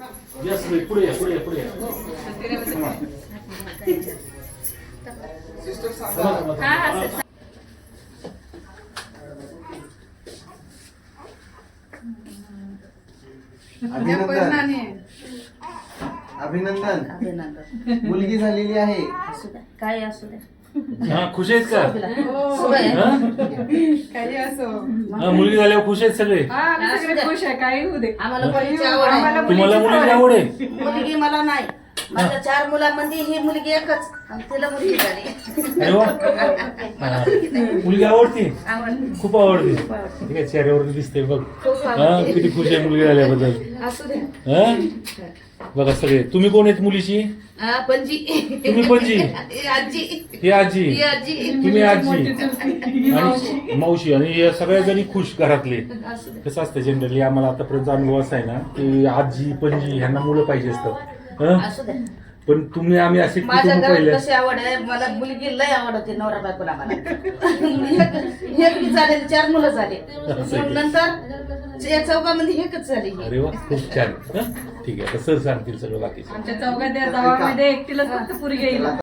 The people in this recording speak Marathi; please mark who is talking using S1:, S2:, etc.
S1: यस पुढे या, पुढे या, पुढे या.
S2: अभिनंदन मुलगी झालेली आहे.
S3: काय असू द्या.
S1: हा, खुश आहेत का? हा?
S4: काही असो
S1: हा, मुलगी झाल्यावर खुश आहेत सगळे.
S4: आम्ही सगळे खुश आहे. काही होऊ दे.
S3: आम्हाला मुलीची आवड आहे.
S1: तुम्हाला मुलीची आवड आहे?
S3: मुलगी मला नाही. माझ्या 4 मुलांमध्ये ही मुलगी एकच आणि तिला मुलगी झाली.
S1: अरे वा. हा. मुलगी आवडती? खूप आवडते. ठीक आहे, चेहऱ्यावर दिसते बघ. हा, किती खुश आहे मुलगी झाल्याबद्दल.
S3: असू द्या.
S1: हा, बघा सगळे. तुम्ही कोण आहेत मुलीची?
S3: पणजी.
S1: तुम्ही पणजी?
S3: आजी.
S1: ही आजी,
S3: ही आजी.
S1: तुम्ही आजी आणि मावशी आणि या सगळ्या जणी खुश घरातले.
S3: असू द्या.
S1: कसं असतं जनरली आम्हाला आतापर्यंत अनुभव असा आहे ना की आजी पणजी ह्यांना मुलं पाहिजे असतात. हं?
S3: असू द्या.
S1: पण तुम्ही आम्ही असे
S3: माझ्या
S1: कुटुंब
S3: घरात
S1: पाहिले.
S3: कशी आवड आहे. मला मुलगी लय आवडते. नवरा बायकोला मला एक बी झाले 4 मुलं झाले. मग नंतर या चौकामध्ये एकच झाली.
S1: अरे वा, खूप छान. हं? ठीक आहे, आता सर सांगतील सगळं बाकीचं.
S4: आमच्या चौघात जावामध्ये एकटीला फक्त पुरी येईल.